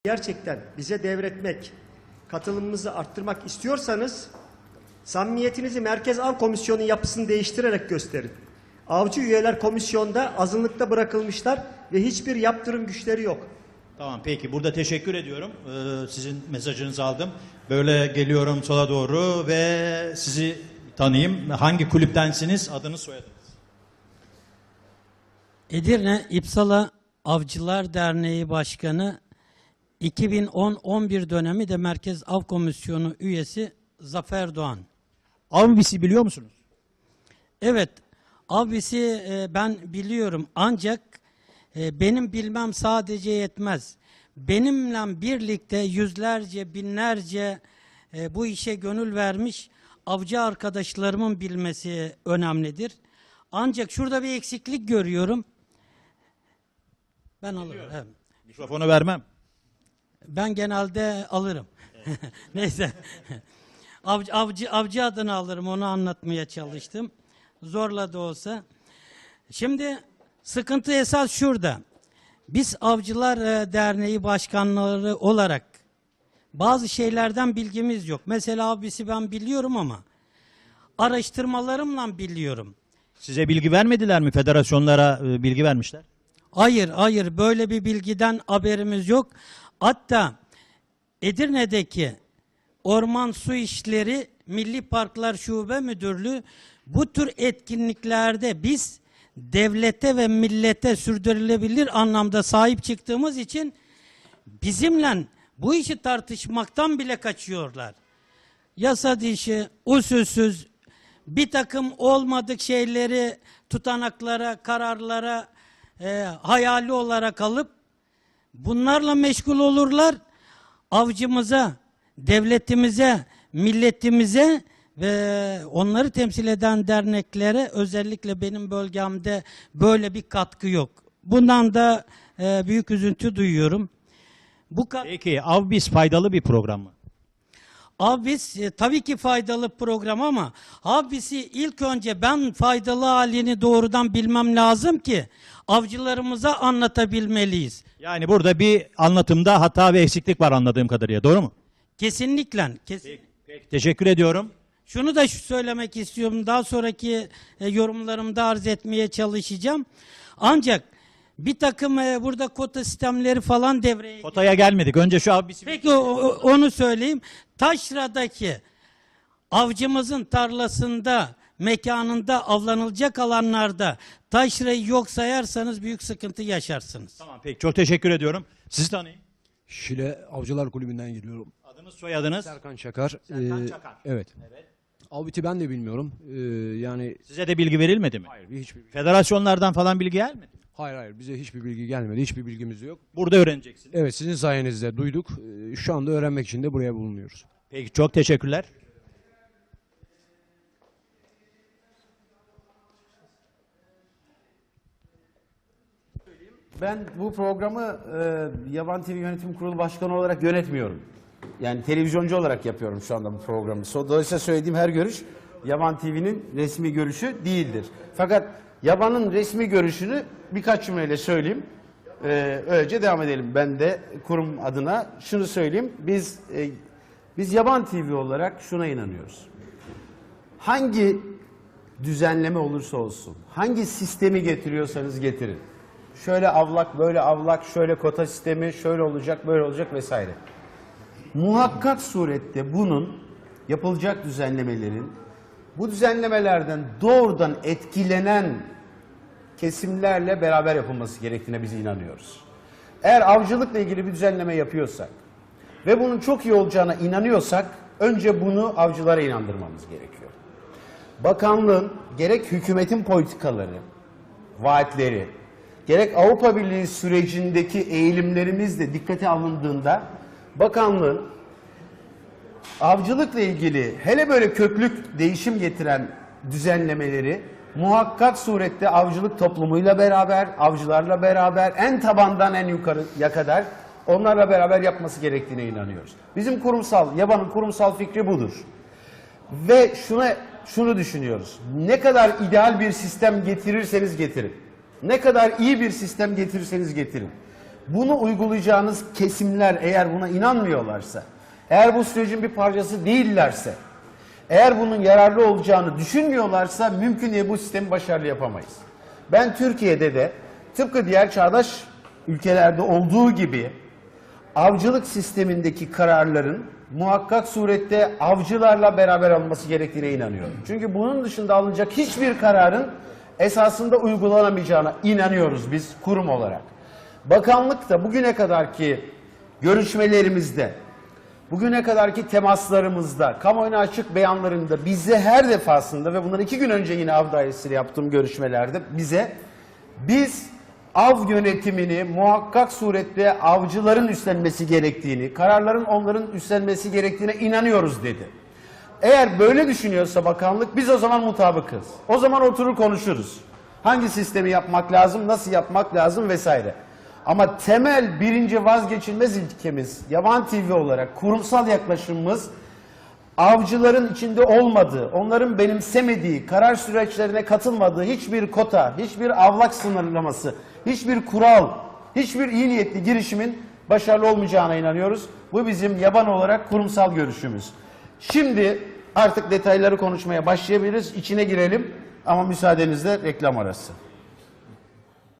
Gerçekten bize devretmek, katılımımızı arttırmak istiyorsanız samimiyetinizi Merkez Av Komisyonu yapısını değiştirerek gösterin. Avcı üyeler komisyonda azınlıkta bırakılmışlar ve hiçbir yaptırım güçleri yok. Tamam, peki, burada teşekkür ediyorum. Sizin mesajınızı aldım. Böyle geliyorum sola doğru ve sizi tanıyayım. Hangi kulüptensiniz? Adınız, soyadınız? Edirne İpsala Avcılar Derneği Başkanı, 2010-11 dönemi de Merkez Av Komisyonu üyesi Zafer Doğan. Avbis'i biliyor musunuz? Evet, Avbis'i ben biliyorum, ancak benim bilmem sadece yetmez. Benimle birlikte yüzlerce, binlerce bu işe gönül vermiş avcı arkadaşlarımın bilmesi önemlidir. Ancak şurada bir eksiklik görüyorum. Ben alırım. Evet. Mikrofonu vermem. Ben genelde alırım. Evet. Neyse. Avcı adını alırım, onu anlatmaya çalıştım. Zorla da olsa. Şimdi sıkıntı esas şurada. Biz Avcılar Derneği başkanları olarak bazı şeylerden bilgimiz yok. Mesela abisi ben biliyorum ama araştırmalarımla biliyorum. Size bilgi vermediler mi? Federasyonlara bilgi vermişler. Hayır, böyle bir bilgiden haberimiz yok. Hatta Edirne'deki Orman Su İşleri Milli Parklar Şube Müdürlüğü bu tür etkinliklerde biz devlete ve millete sürdürülebilir anlamda sahip çıktığımız için bizimle bu işi tartışmaktan bile kaçıyorlar. Yasa dışı, usulsüz, bir takım olmadık şeyleri tutanaklara, kararlara hayali olarak alıp bunlarla meşgul olurlar. Avcımıza, devletimize, milletimize ve onları temsil eden derneklere, özellikle benim bölgemde böyle bir katkı yok. Bundan da büyük üzüntü duyuyorum. Peki Avbis faydalı bir program mı? Avbis tabii ki faydalı program ama Avbis'i ilk önce ben faydalı halini doğrudan bilmem lazım ki avcılarımıza anlatabilmeliyiz. Yani burada bir anlatımda hata ve eksiklik var anladığım kadarıyla, doğru mu? Kesinlikle. Peki, teşekkür ediyorum. Şunu da söylemek istiyorum, daha sonraki yorumlarımda arz etmeye çalışacağım. Ancak bir takım burada kota sistemleri falan devreye giriyor. Kotaya gelmedik. Önce şu Avbis'i... Peki onu söyleyeyim. Taşra'daki avcımızın tarlasında, mekanında avlanılacak alanlarda taşrayı yok sayarsanız büyük sıkıntı yaşarsınız. Tamam, peki, çok teşekkür ediyorum. Sizi tanıyayım. Şile Avcılar Kulübü'nden geliyorum. Adınız, soyadınız? Serkan Çakar. Serkan Çakar. Evet. Avbit'i ben de bilmiyorum. Yani Size de bilgi verilmedi mi? hayır, hiçbir Federasyonlardan falan bilgi gelmedi mi? hayır bize hiçbir bilgi gelmedi. Hiçbir bilgimiz yok. Burada öğreneceksiniz. Evet, sizin sayenizde duyduk. Şu anda öğrenmek için de buraya bulunuyoruz. Peki, çok teşekkürler. Ben bu programı Yaban TV Yönetim Kurulu Başkanı olarak yönetmiyorum. Yani televizyoncu olarak yapıyorum şu anda bu programı. Dolayısıyla söylediğim her görüş Yaban TV'nin resmi görüşü değildir. Fakat Yaban'ın resmi görüşünü birkaç cümleyle söyleyeyim. Öylece devam edelim. Ben de kurum adına şunu söyleyeyim. Biz Yaban TV olarak şuna inanıyoruz. Hangi düzenleme olursa olsun, hangi sistemi getiriyorsanız getirin. Şöyle avlak, böyle avlak, şöyle kota sistemi, şöyle olacak, böyle olacak vesaire. Muhakkak surette bunun yapılacak düzenlemelerin, bu düzenlemelerden doğrudan etkilenen kesimlerle beraber yapılması gerektiğine biz inanıyoruz. Eğer avcılıkla ilgili bir düzenleme yapıyorsak ve bunun çok iyi olacağına inanıyorsak önce bunu avcılara inandırmamız gerekiyor. Bakanlığın gerek hükümetin politikaları, vaatleri, gerek Avrupa Birliği sürecindeki eğilimlerimiz de dikkate alındığında bakanlığın avcılıkla ilgili hele böyle köklük değişim getiren düzenlemeleri muhakkak surette avcılık toplumuyla beraber, avcılarla beraber en tabandan en yukarıya kadar onlarla beraber yapması gerektiğine inanıyoruz. Bizim Yaban'ın kurumsal fikri budur. Ve şunu düşünüyoruz. Ne kadar ideal bir sistem getirirseniz getirin. Ne kadar iyi bir sistem getirirseniz getirin. Bunu uygulayacağınız kesimler eğer buna inanmıyorlarsa, eğer bu sürecin bir parçası değillerse, eğer bunun yararlı olacağını düşünmüyorlarsa mümkün değil bu sistemi başarılı yapamayız. Ben Türkiye'de de tıpkı diğer çağdaş ülkelerde olduğu gibi avcılık sistemindeki kararların muhakkak surette avcılarla beraber alınması gerektiğine inanıyorum. Çünkü bunun dışında alınacak hiçbir kararın esasında uygulanamayacağına inanıyoruz biz kurum olarak. Bakanlık da bugüne kadarki görüşmelerimizde, bugüne kadarki temaslarımızda, kamuoyuna açık beyanlarında bize her defasında ve bundan 2 gün önce yine av dairesiyle yaptığım görüşmelerde bize biz av yönetimini muhakkak surette avcıların üstlenmesi gerektiğini, kararların onların üstlenmesi gerektiğine inanıyoruz dedi. Eğer böyle düşünüyorsa bakanlık biz o zaman mutabıkız. O zaman oturur konuşuruz. Hangi sistemi yapmak lazım, nasıl yapmak lazım vesaire. Ama temel birinci vazgeçilmez ilkemiz Yaban TV olarak kurumsal yaklaşımımız avcıların içinde olmadığı, onların benimsemediği, karar süreçlerine katılmadığı hiçbir kota, hiçbir avlak sınırlaması, hiçbir kural, hiçbir iyi niyetli girişimin başarılı olmayacağına inanıyoruz. Bu bizim yaban olarak kurumsal görüşümüz. Şimdi artık detayları konuşmaya başlayabiliriz, içine girelim ama müsaadenizle reklam arası.